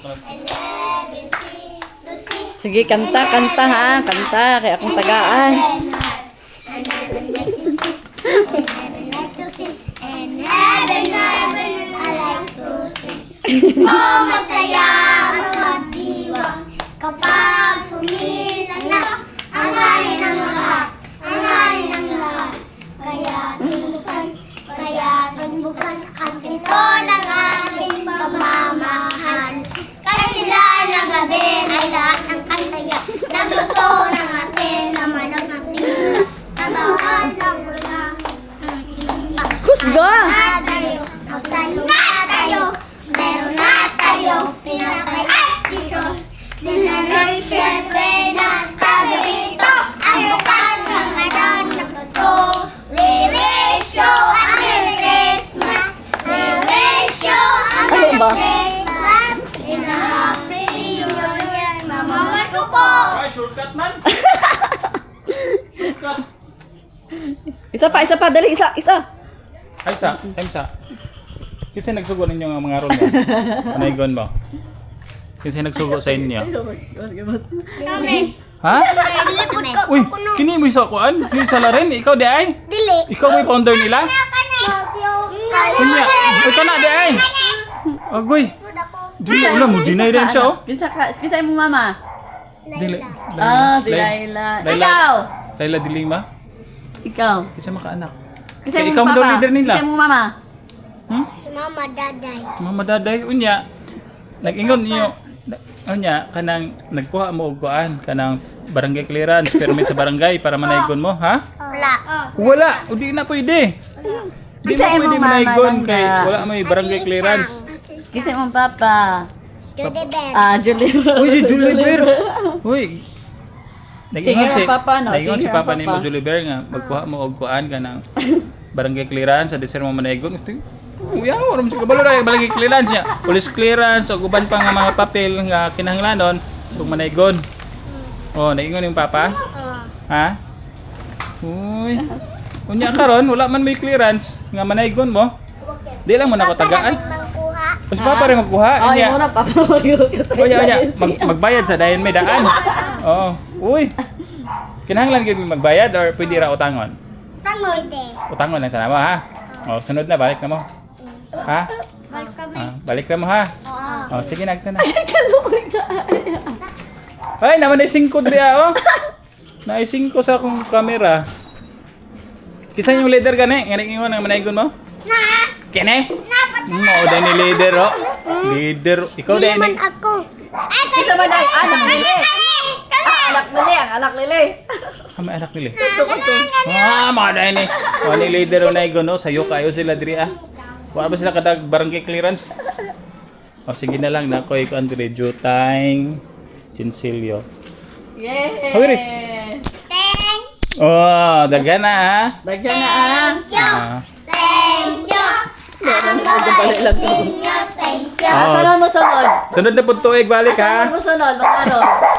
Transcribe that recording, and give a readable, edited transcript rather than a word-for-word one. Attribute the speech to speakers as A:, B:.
A: Sige, kanta ha. Kanta, kaya akong tagaan.
B: Oh, masaya ang magdiwang kapag sumilang na ang hari ng lahat, ang hari ng lahat. Kaya tinbuksan ang pinto ng ating pagmamahal. Kanila na gabi ay lahat ng kantaya, nagluto ng ating na manok ng tila. Sa bawat ng ulang
A: Kusga!
B: magsayo na tayo, meron na tayo, pinapay at piso. Linanong siyempre na tayo dito, ang bukas ng araw ng Pasko. We wish you a Merry Christmas, we wish you a Merry
A: Ano ba?
B: Christmas, in a Happy New Year, mamamas ko po.
C: Ay, shortcut man. Shortcut.
A: Isa pa, dali, isa.
C: Ay, sa. Kasi nagsugo ninyo ang mga ron mo. Panaygon mo. Kasi nagsugo sa inyo.
B: Kami.
C: Ha?
B: Dilipod ko
C: Uy,
B: ako no.
C: kini mo isa kuan? Si Salarin, ikaw di ay?
B: Dili.
C: Ikaw may founder nila? Kunya, ikaw na di ay? Agoy. Dili, wala mo, dinay rin siya oh.
A: Pisa mo mama.
C: Dili.
A: Si Laila. Ikaw!
C: Laila Dilima?
A: Ikaw.
C: Kasi makaanak.
A: Pisa
C: Kaya
A: mo
C: ikaw mo daw
A: papa.
C: leader nila.
A: Pisa mo mama.
C: Hmm?
B: Si Mama Daday.
C: Mama Daday, unya. Nag-ingon niyo. Unya, kanang nagkuha mo og kuan, kanang barangay clearance, permit sa barangay para manaygon mo, ha?
B: Wala.
C: Wala, o di na pwede. Di
A: Pisa
C: na
A: mo,
C: pwede
A: mama,
C: manaygon
A: lang
C: kay
A: na.
C: wala may barangay clearance.
A: Pisa mo papa.
B: Judy Ben.
A: Julie.
C: Uy, si Juliber. Uy. Nag-ingon
A: Singer ang papa, no?
C: Nag-ingon si
A: Singer ang
C: papa ni
A: papa.
C: mo Juliber nga magkuha mo og kuan kanang barangay clearance sa deser mo manaygon. Uy, wala mo si kabalo ra barangay clearance niya. Police clearance o uban pa nga mga papel nga kinahanglanon ug manaygon. Oh, nag-ingon yung papa? Ha? Uy. Unya karon wala man may clearance nga manaygon mo. Di lang mo na ko tagaan.
B: Mangkuha.
C: Mas papa rin magkuha.
A: Oh,
C: Unya.
A: yung muna papa.
C: Oya, magbayad sa dayon may daan. Oo. Uy. Kinahanglan gyud mi magbayad or pwede ra utangon?
B: Tangoy de.
C: Utangon lang sana mo ha. Oh, sunod na balik na mo. Ha?
B: Balik kami.
C: Balik na mo ha.
B: Oo.
C: Oh, sige nagta na. Ay, naman ay 5 diya oh. Na 5 sa akong camera. Kisa yung leader gani, ngani ingon ang manaygon mo?
B: Na.
C: Kene?
B: Napat.
C: Mo dai ni leader oh. Leader, ikaw
B: Hindi
C: dai
B: man
C: ni.
B: ako. Ay,
A: Isa man ang anak nila. Anak nila, ang anak nila.
C: Kami anak nila. Mga dai ni. O ni leader o naygon no, sayo kayo sila diri ah. Wala ba sila kadag barangay clearance? O sige na lang na ko iko Andre Jutang Sinsilio.
A: Yay!
C: Hurry.
B: Thank
C: Oh, daghan na ah.
A: Dagyan na ah.
B: you.
C: Ah.
B: Thank you. Ang
A: Balik lang to.
B: inyo. Thank you.
C: Oh.
A: Saan mo sunod?
C: Sunod na pud tuig balik
A: Saan
C: ha.
A: mo sunod? Magkano?